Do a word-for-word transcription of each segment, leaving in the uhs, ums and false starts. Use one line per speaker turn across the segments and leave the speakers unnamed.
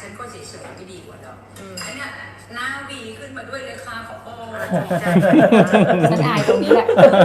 ฉันก็เฉยๆไม่ดีกว่าหรอกอันเนี้ยหน้าวีขึ้นมาด้วยเลยค่ะขอโอ้ใจ
ฉันอายตรงนี้แหละ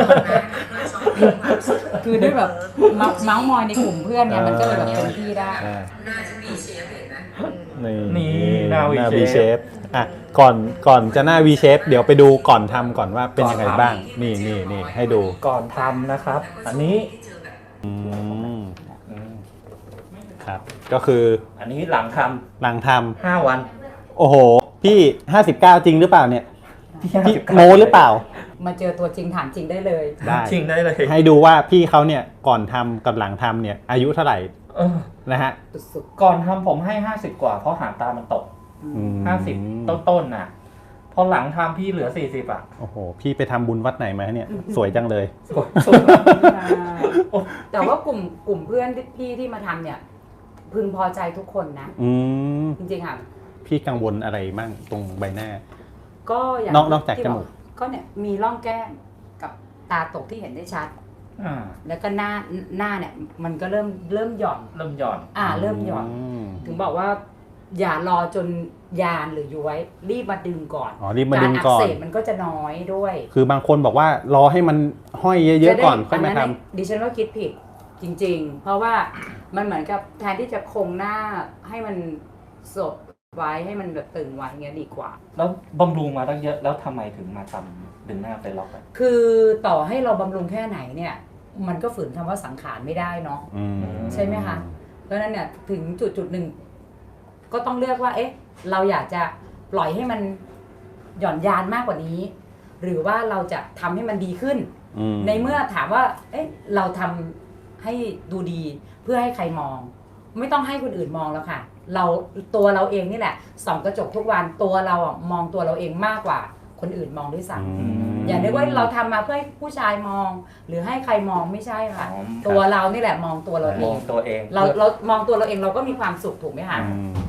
คือด้วยแบบเมาเมาส์มอยในกลุ่มเพื่อนเนี่ยมันก็เลยแบบเต็มที่ได้
หน้าฉันวีเชฟเห็นไหม
นี่
นี่หน้า V
V shape อ่ะก่อนก่อนจะหน้า V shape เดี๋ยวไปดูก่อนทำก่อนว่าเป็นยังไงบ้าง นี่นี่นี่ให้ดู
ก่อนทำนะครับ อันนี้
อืม
อืม
ครับ ก็คือ
อันนี้หลังท
หลังท
ำห้าวัน
ำโอ้โห พี่ห้าสิบเก้าจริงหรือเปล่าเนี่ย
พี่
พี่โมหรือเปล่า
มาเจอตัวจริงถามจริงได้เลย
ได้
จริงได้เลย
ให้ดูว่าพี่เขาเนี่ยก่อนทำกับหลังทำเนี่ยอายุเท่าไหร่
เออ
นะฮะ
สุด
ก่อนทำผมให้ห้าสิบกว่าเพราะหางตามันตก
อืม
ห้าสิบต้นๆน่ะ พอหลังทำพี่เหลือสี่สิบอ่ะ
โอ้โห พี่ไปทำบุญวัดไหนมาเนี่ย สวยจังเลย
สวยสุด
ๆ
โอ้
แต่ว่ากลุ่มกลุ่มเพื่อนที่พี่ที่มาทำเนี่ย พึงพอใจทุกคนนะ
อืม
จริงๆค่ะ
พี่กังวลอะไรมั่งตรงใบหน้า
ก็อย่าง
นอกนอกจาก
ที่
จมูก
บก็เนี่ยมีร่องแก้มกับตาตกที่เห็นได้ชัด
อ่า
แล้วก็หน้าหน้าเนี่ยมันก็เริ่มเริ่มหย่อน
เริ่มหย่อน
อ่าเริ่มหย่อน
ม
ถึงบอกว่า อย่ารอจนยานหรือย้วยรีบมาดึงก่อน
อ๋อรีบมาดึง
อั
ก่อน
เสบมันก็จะน้อยด้วย
คือบางคนบอกว่ารอให้มันห้อยเยอะๆก่อนค่อยมาท
ดิฉันว่าคิดผิดจริงๆ เพราะว่ามันเหมือนกับแทนที่จะคงหน้าให้มันสดไว้ให้มันแบบตึงไว้เงี้ยดีกว่า
แล้วบำรุงมาตั้งเยอะแล้วทำไมถึงมาทำดึงหน้าไปล็อกอ่ะ
คือต่อให้เราบำรุงแค่ไหนเนี่ย มันก็ฝืนคำว่าสังขารไม่ได้เนาะ
ำอืม
ใช่ไหมคะ เพราะฉะนั้นเนี่ยถึงจุดจุดหนึ่งก็ต้องเลือกว่า เอ๊ะ เราอยากจะปล่อยให้มันหย่อนยานมากกว่านี้ หรือว่าเราจะทำให้มันดีขึ้น
อืม
ในเมื่อถามว่า เอ๊ะ เราทำให้ดูดีเพื่อให้ใครมอง ไม่ต้องให้คนอื่นมองแล้วค่ะ เราตัวเราเองนี่แหละส่องกระจกทุกวันตัวเราอะมองตัวเราเองมากกว่าคนอื่นมองด้วยซ้
อืม
ำอย่านึกว่าเราทำมาเพื่อให้ผู้ชายมอง หรือให้ใครมองไม่ใช่ค่ะ
อ๋อ
ตัวเรานี่แหละมองตัวเราเอ
มอง
ง
ตัวเอง
เราเรามองตัวเราเองเราก็มีความสุขถูกไหมคะ
อืม